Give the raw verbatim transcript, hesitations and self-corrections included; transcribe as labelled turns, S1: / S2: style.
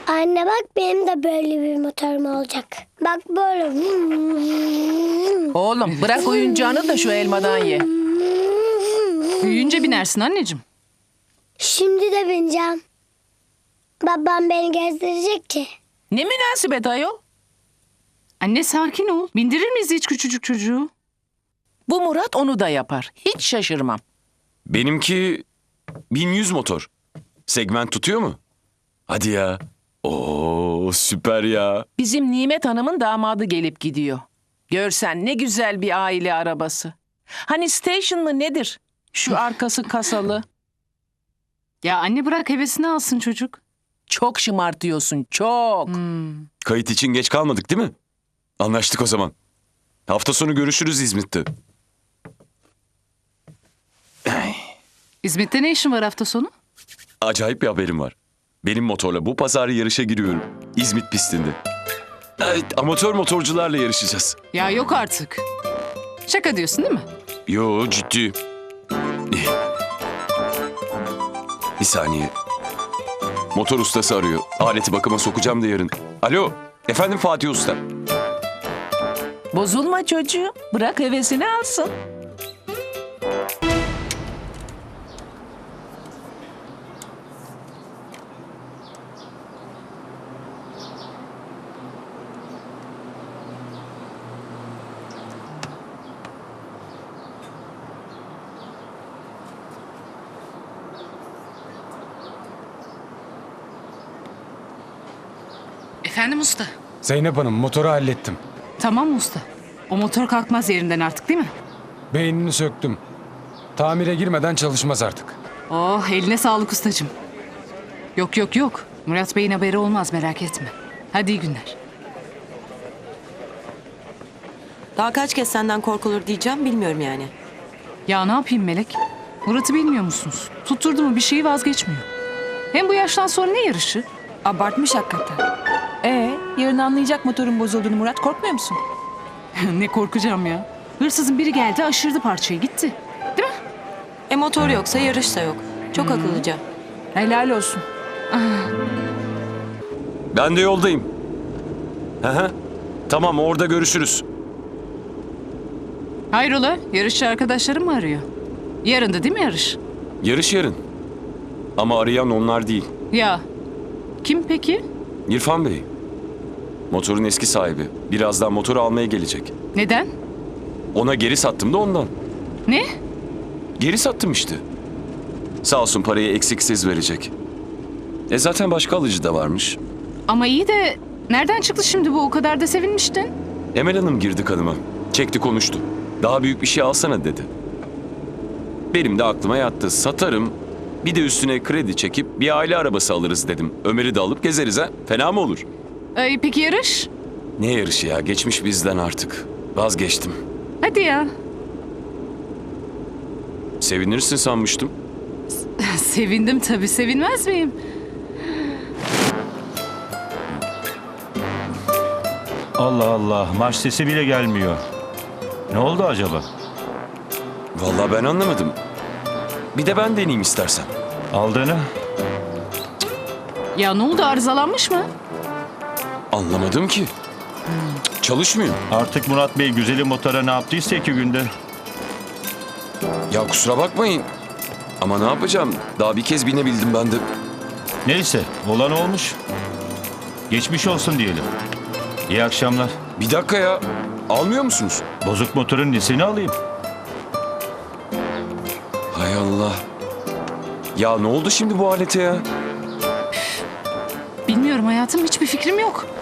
S1: Anne bak benim de böyle bir motorum olacak. Bak böyle.
S2: Oğlum bırak oyuncağını da şu elmadan ye.
S3: Büyüyünce binersin anneciğim.
S1: Şimdi de bineceğim. Babam beni gezdirecek ki.
S2: Ne münasebet ayol?
S3: Anne sakin ol. Bindirir miyiz hiç küçücük çocuğu?
S2: Bu Murat onu da yapar. Hiç şaşırmam.
S4: Benimki bin yüz motor. Segment tutuyor mu? Hadi ya. Oo süper ya.
S2: Bizim Nimet Hanım'ın damadı gelip gidiyor. Görsen ne güzel bir aile arabası. Hani station mı nedir? Şu arkası kasalı.
S3: Ya anne bırak hevesini alsın çocuk.
S2: Çok şımartıyorsun, çok.
S4: Kayıt için geç kalmadık değil mi? Anlaştık o zaman. Hafta sonu görüşürüz İzmit'te.
S3: İzmit'te ne işin var hafta sonu?
S4: Acayip bir haberim var. Benim motorla bu pazar yarışa giriyorum. İzmit pistinde. Evet, amatör motorcularla yarışacağız.
S3: Ya yok artık. Şaka diyorsun değil mi?
S4: Yo ciddi. Bir saniye. Motor ustası arıyor. Aleti bakıma sokacağım da yarın. Alo. Efendim Fatih Usta.
S2: Bozulma çocuğum. Bırak hevesini alsın.
S3: Efendim usta.
S5: Zeynep Hanım motoru hallettim.
S3: Tamam usta. O motor kalkmaz yerinden artık değil mi?
S5: Beynini söktüm. Tamire girmeden çalışmaz artık.
S3: Oh eline sağlık ustacığım. Yok yok yok. Murat Bey'in haberi olmaz merak etme. Hadi iyi günler.
S6: Daha kaç kez senden korkulur diyeceğim bilmiyorum yani.
S3: Ya ne yapayım Melek? Murat'ı bilmiyor musunuz? Tutturdu mu bir şeyi vazgeçmiyor. Hem bu yaştan sonra ne yarışı?
S7: Abartmış hakikaten. Ee, yarın anlayacak motorun bozulduğunu Murat, korkmuyor musun?
S3: Ne korkacağım ya. Hırsızın biri geldi aşırdı parçayı gitti. Değil mi?
S6: E motor yoksa yarış da yok. Çok akıllıca.
S7: Helal olsun.
S4: Ben de yoldayım. Hı hı. Tamam orada görüşürüz.
S3: Hayrola yarışçı arkadaşlarım mı arıyor? Yarın da değil mi yarış?
S4: Yarış yarın. Ama arayan onlar değil.
S3: Ya kim peki?
S4: İrfan Bey. Motorun eski sahibi. Birazdan motoru almaya gelecek.
S3: Neden?
S4: Ona geri sattım da ondan.
S3: Ne?
S4: Geri sattım işte. Sağ olsun parayı eksiksiz verecek. E zaten başka alıcı da varmış.
S3: Ama iyi de nereden çıktı şimdi bu o kadar da sevinmiştin?
S4: Emel Hanım girdi kanıma. Çekti konuştu. Daha büyük bir şey alsana dedi. Benim de aklıma yattı. Satarım. Bir de üstüne kredi çekip bir aile arabası alırız dedim. Ömer'i de alıp gezeriz ha. Fena mı olur?
S3: Ee, peki yarış?
S4: Ne yarışı ya? Geçmiş bizden artık. Vazgeçtim.
S3: Hadi ya.
S4: Sevinirsin sanmıştım.
S3: Sevindim tabii sevinmez miyim?
S8: Allah Allah, marş sesi bile gelmiyor. Ne oldu acaba?
S4: Vallahi ben anlamadım. Bir de ben deneyeyim istersen.
S8: Aldığını?
S3: Ya ne oldu arızalanmış mı?
S4: Anlamadım ki. Çalışmıyor.
S8: Artık Murat Bey güzeli motora ne yaptıysa iki günde.
S4: Ya kusura bakmayın. Ama ne yapacağım? Daha bir kez binebildim ben de.
S8: Neyse, olan olmuş. Geçmiş olsun diyelim. İyi akşamlar.
S4: Bir dakika ya. Almıyor musunuz?
S8: Bozuk motorun nesini alayım?
S4: Hay Allah. Ya ne oldu şimdi bu alete ya?
S3: Bilmiyorum hayatım hiçbir fikrim yok.